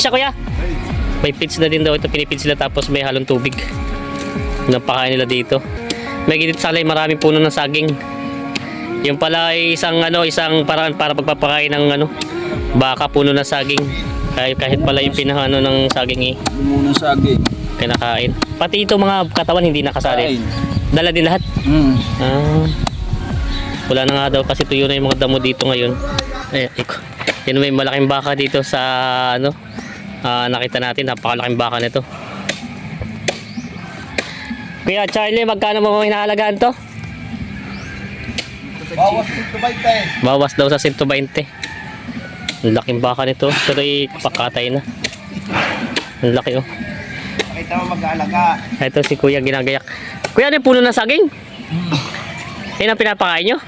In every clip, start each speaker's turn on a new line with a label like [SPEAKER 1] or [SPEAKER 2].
[SPEAKER 1] Siya kuya. May feeds na din daw ito, pinipid sila tapos may halong tubig. Napakain nila dito. May gitit salay, maraming puno ng saging. Yung pala ay isang paraan para pagpapakain ng baka, puno ng saging. Kahit pala yung pinahano ng saging
[SPEAKER 2] Puno ng saging.
[SPEAKER 1] Kinakain. Pati ito mga katawan hindi nakasali. Dala din lahat. Wala na nga daw kasi tuyo na yung mga damo dito ngayon. Yan, may malaking baka dito sa nakita natin, napakalaking baka nito. Kuya Charlie, magkano mo hinaalagaan to?
[SPEAKER 2] Bawas 120.
[SPEAKER 1] Bawas daw sa 120. Ang laking baka nito. Pero pakatay na. Ang laki
[SPEAKER 2] Pakita mo mag-aalaga.
[SPEAKER 1] Ito si kuya ginagayak. Kuya, ano yung puno ng saging? Yan ang pinapakain nyo?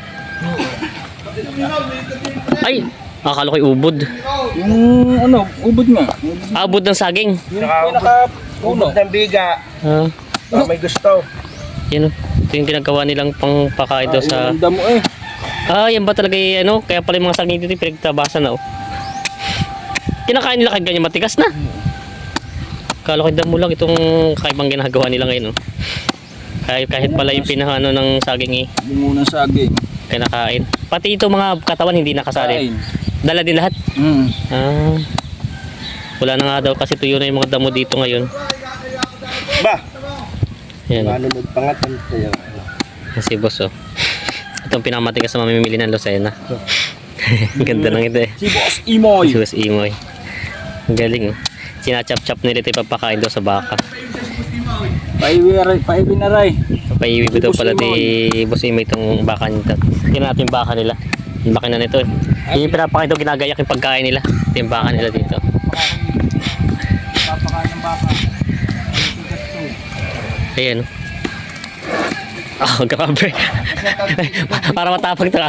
[SPEAKER 1] Ay, akala ko'y ubod.
[SPEAKER 2] Yung ubod nga.
[SPEAKER 1] Ubod ng saging.
[SPEAKER 2] Ubod ng biga. May gusto.
[SPEAKER 1] Yan ito yung ginagawa nilang pangpakain daw sa...
[SPEAKER 2] Yung damo
[SPEAKER 1] yan ba talaga kaya pala yung mga saging dito pinagtabasan na Kinakain nila kahit ganyan matigas na. Akala ko'y damo lang itong kaibang ginagawa nila ngayon kahit pala yung pinahano ng saging
[SPEAKER 2] Bungo ng saging.
[SPEAKER 1] Kinakain. Pati ito mga katawan hindi nakasali. Dala din lahat. Wala na nga daw kasi tuyo na yung mga damo dito ngayon.
[SPEAKER 2] Ba?
[SPEAKER 1] Yan.
[SPEAKER 2] Paano magpangat kaya?
[SPEAKER 1] Si boss Itong pinakamatigas na mamimili ng Lucena. Ganda ng ito
[SPEAKER 2] Si Boss Imoy.
[SPEAKER 1] Si Boss Imoy. Ang galing Sinachap-chap nila ito ipapakain daw sa baka.
[SPEAKER 2] Paiwi na ray.
[SPEAKER 1] Paiwi daw pala di Boss Imoy itong baka nito. Tingnan natin yung baka nila. Yung baka na nito Yung pinapakain daw ginagayak yung pagkain nila. Ito yung baka nila dito.
[SPEAKER 2] Papakain ng baka.
[SPEAKER 1] Ayan grabe. Para matapag ito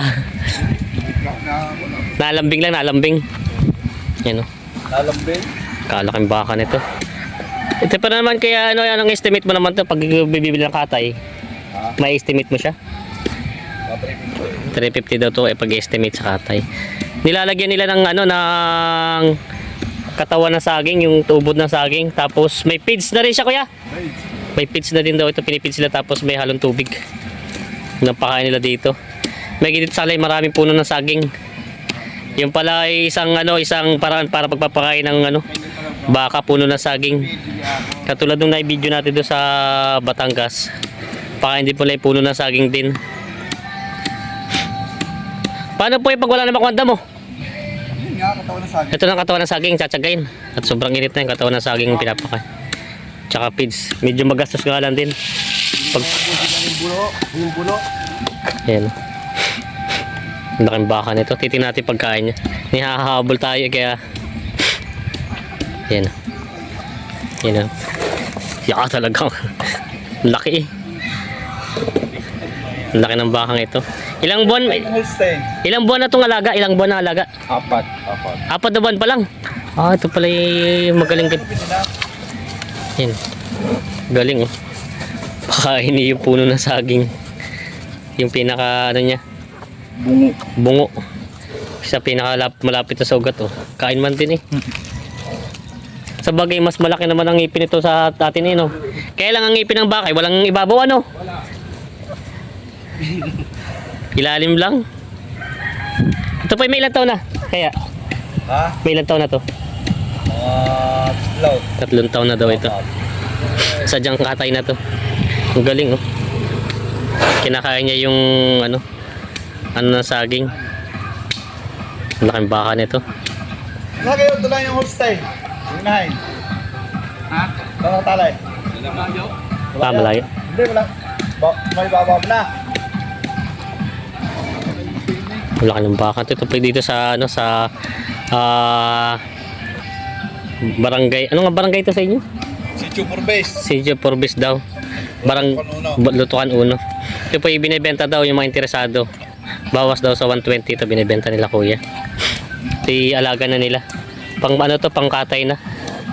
[SPEAKER 1] Nalambing lang, nalambing. Yan
[SPEAKER 2] Lalambing.
[SPEAKER 1] Kalaking baka nito. Ito pa naman kaya anong estimate mo naman to pag bibili ng katay? May estimate mo siya? 350 daw to pag-estimate sa katay. Nilalagyan nila ng ng katawan ng saging, yung tubod ng saging, tapos may feeds na rin siya kuya. May feeds na din daw ito, pinipid sila tapos may halong tubig. Napakain nila dito. May gitit salay, maraming puno ng saging. Yung pala ay isang paraan para pagpapakain ng baka, puno ng saging. Katulad nung na-video natin doon sa Batangas. Pakain din pala yung puno ng saging din. Paano po yung pag wala na makwanda mo?
[SPEAKER 2] Katawan ng saging.
[SPEAKER 1] Ito na katawan ng saging, tsatsagain. At sobrang init na yung katawan ng saging pinapakain. Tsaka feeds. Medyo magastos nga lang din.
[SPEAKER 2] Yung bulo.
[SPEAKER 1] Ayan. Ang laking baka nito. Titingnan natin pagkain niya. Nihahabol tayo kaya... Ayan. Ayan. Yaka talagang. Laki Ang laki ng bakang ito. Ilang buwan na itong alaga? Ilang buwan na alaga?
[SPEAKER 2] 4
[SPEAKER 1] na buwan pa lang. Ito pala yung magaling din. Yan. Galing Pakain niya yung puno ng saging. Yung pinaka niya. Bungo. Sa pinaka malapit na sa ugat Kain man din Sa bagay mas malaki naman ang ngipin ito sa atin Kaya lang ang ngipin ng baka walang ibabaw
[SPEAKER 2] Wala.
[SPEAKER 1] Ilalim lang. Ito pa may ilang taon na? Kaya may ilang taon na to? 3 taon na daw ito. Sadyang katay na to. Ang galing Kinakain niya yung ng saging. Ang laking baka nito.
[SPEAKER 2] Wala kayo tulang yung Holstein. Unahin. Wala talay.
[SPEAKER 1] Malayo.
[SPEAKER 2] Hindi, wala. May baba mo na.
[SPEAKER 1] Ang laki ng baka. Ito pa dito sa barangay. Ano nga barangay ito sa inyo?
[SPEAKER 2] Sitio Forbes.
[SPEAKER 1] Sitio Forbes daw. Lutukan Uno. Ito po yung binibenta daw yung mga interesado. Bawas daw sa 120 ito binibenta nila kuya. Ito alaga na nila. Pang pang katay na.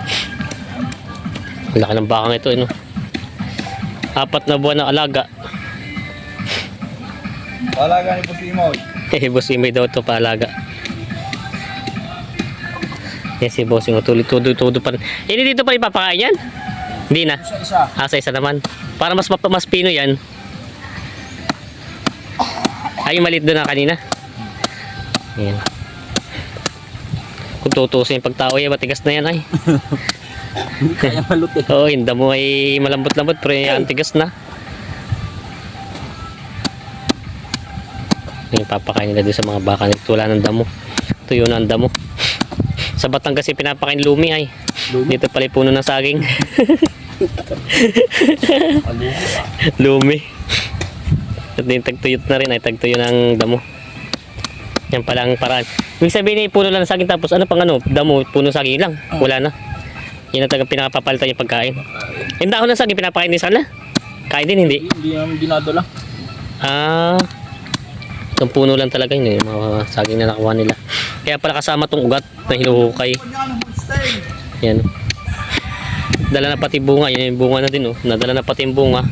[SPEAKER 1] Ang laki ng bakang ito 4 na buwan na alaga.
[SPEAKER 2] Alaga ni Boss Imoy.
[SPEAKER 1] Boss Imoy daw ito paalaga. Yan si bossing, tuloy-tuloy pa rin. Hindi dito pa rin papakain yan? Hindi na.
[SPEAKER 2] Isa-isa.
[SPEAKER 1] Sa isa naman. Para mas pino yan. Ay, yung maliit doon na kanina. Ayan. Kung tutusin yung pagtao yan, matigas na yan ay.
[SPEAKER 2] Hindi kaya malutin.
[SPEAKER 1] Oo, yung damo ay malambot-lambot pero yung tigas na. Yung papakain nila doon sa mga baka nito, wala ng damo. Tuyo na ang damo. Sa Batangas kasi pinapakain lumi ay. Dito pala yung puno ng saging. Lumi. At din tagtuyot na rin ay tagtuyo ng damo. Yan pala ang paraan. Ibig sabihin ay puno lang ng saging tapos ano pang ano, damo, puno saging lang. Wala na. Yan ang talagang pinakapapalitan yung pagkain. Yung dahon ng saging pinapakain din sana. Kain din hindi.
[SPEAKER 2] Hindi namin dinadala.
[SPEAKER 1] Ah. Itong puno lang talaga yun yung mga saging na nakuha nila. Kaya pala kasama tong ugat na hinuhukay. Yan. Dala na pati bunga. Yan yung bunga na din oh. Nadala na pati yung bunga.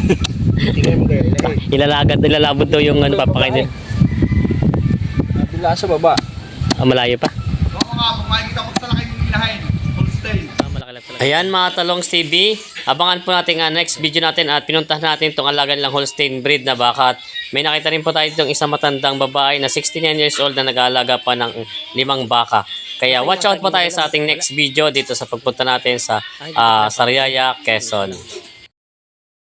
[SPEAKER 1] Ilalabot daw yung ano papakain din.
[SPEAKER 2] Nabila sa baba.
[SPEAKER 1] Ah, malayo pa.
[SPEAKER 2] Oo nga, kung makikita ko sa laki ng ilahin. Holstein.
[SPEAKER 1] Ayan mga Talongs TV, abangan po natin ang next video natin at pinuntahan natin itong alaga nilang Holstein breed na baka at may nakita rin po tayo itong isang matandang babae na 69 years old na nag-aalaga pa ng 5 baka. Kaya watch out po tayo sa ating next video dito sa pagpunta natin sa Sariaya, Quezon.